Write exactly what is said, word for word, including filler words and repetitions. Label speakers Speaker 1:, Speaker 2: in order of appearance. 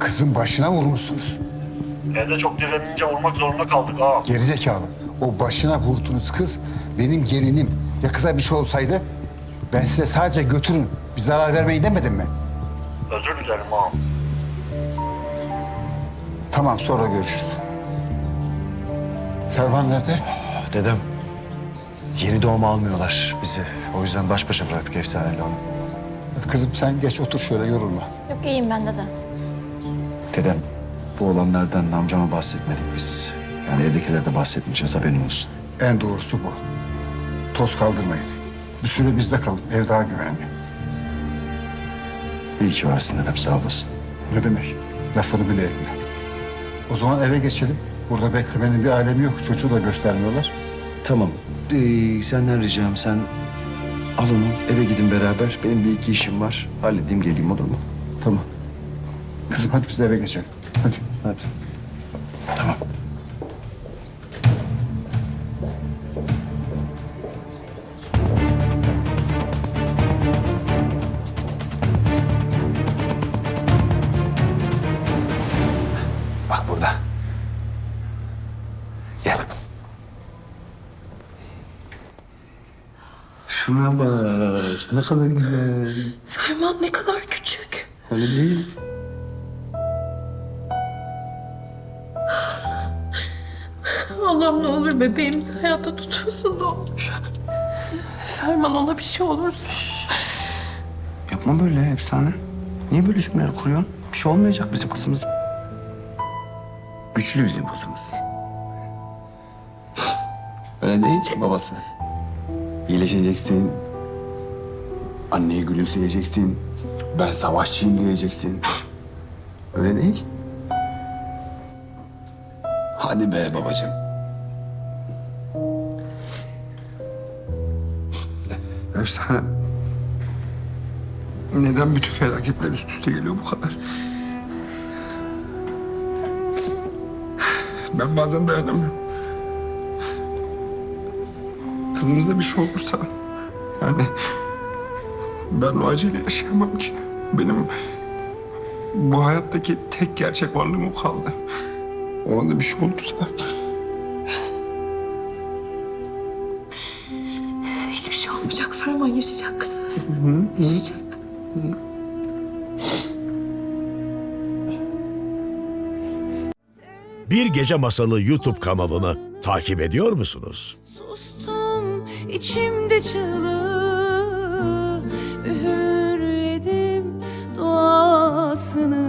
Speaker 1: Kızın başına vurmuşsunuz.
Speaker 2: Evde çok direnince vurmak zorunda kaldık ha.
Speaker 1: Gerizekalı. O başına vurduğunuz kız benim gelinim. Ya kıza bir şey olsaydı ben size sadece götürün, bir zarar vermeyin demedim mi?
Speaker 2: Özür dilerim ha.
Speaker 1: Tamam, sonra görüşürüz. Ferman nerede?
Speaker 3: Dedem, yeni doğum almıyorlar bizi. O yüzden baş başa bıraktık Efsane'yle onu.
Speaker 1: Kızım sen geç otur şöyle, yorulma.
Speaker 4: Yok iyiyim ben dede.
Speaker 3: Dedem, bu olanlardan amcama bahsetmedik biz. Yani evdekilere de bahsetmeyeceğiz, haberin olsun.
Speaker 1: En doğrusu bu. Toz kaldırmayın. Bir süre bizde kalın, ev daha güvenli.
Speaker 3: İyi ki varsın dedem, sağ olasın.
Speaker 1: Ne demek? Lafını bile etme. O zaman eve geçelim. Burada beklemenin bir alemi yok. Çocuğu da göstermiyorlar.
Speaker 3: Tamam, ee, senden ricam sen al onu, eve gidin beraber. Benim bir iki işim var, halledeyim geleyim, olur mu?
Speaker 1: Tamam. Kızım hadi biz de eve geçelim. Hadi.
Speaker 3: Hadi. Tamam. Bak burada. Gel. Şuna bak. Ne kadar güzel.
Speaker 5: Ferman ne kadar küçük.
Speaker 3: Öyle değil.
Speaker 5: Allah'ım ne olur bebeğimizi hayatta tutuyorsun ne olur. Ferman ona bir şey olursa.
Speaker 3: Yapma böyle Efsane. Niye böyle cümleler kuruyorsun? Bir şey olmayacak bizim kızımız. Güçlü bizim kızımız. Öyle değil babası. İyileşeceksin. Anneye gülümseyeceksin. Ben savaşçıyım diyeceksin. Öyle değil. Hadi be babacığım.
Speaker 6: Efsane. Neden bütün felaketler üst üste geliyor bu kadar? Ben bazen dayanamıyorum. Kızımıza bir şey olursa... Yani... Ben o acıyla yaşayamam ki. Benim... Bu hayattaki tek gerçek varlığım o kaldı. Ona da bir şey olursa...
Speaker 5: Hiçbir şey olmayacak Ferman yaşayacak kızımız. Yaşayacak.
Speaker 7: Bir Gece Masalı YouTube kanalını takip ediyor musunuz?
Speaker 8: Sustum içimde çığlığı, üğürledim duasını.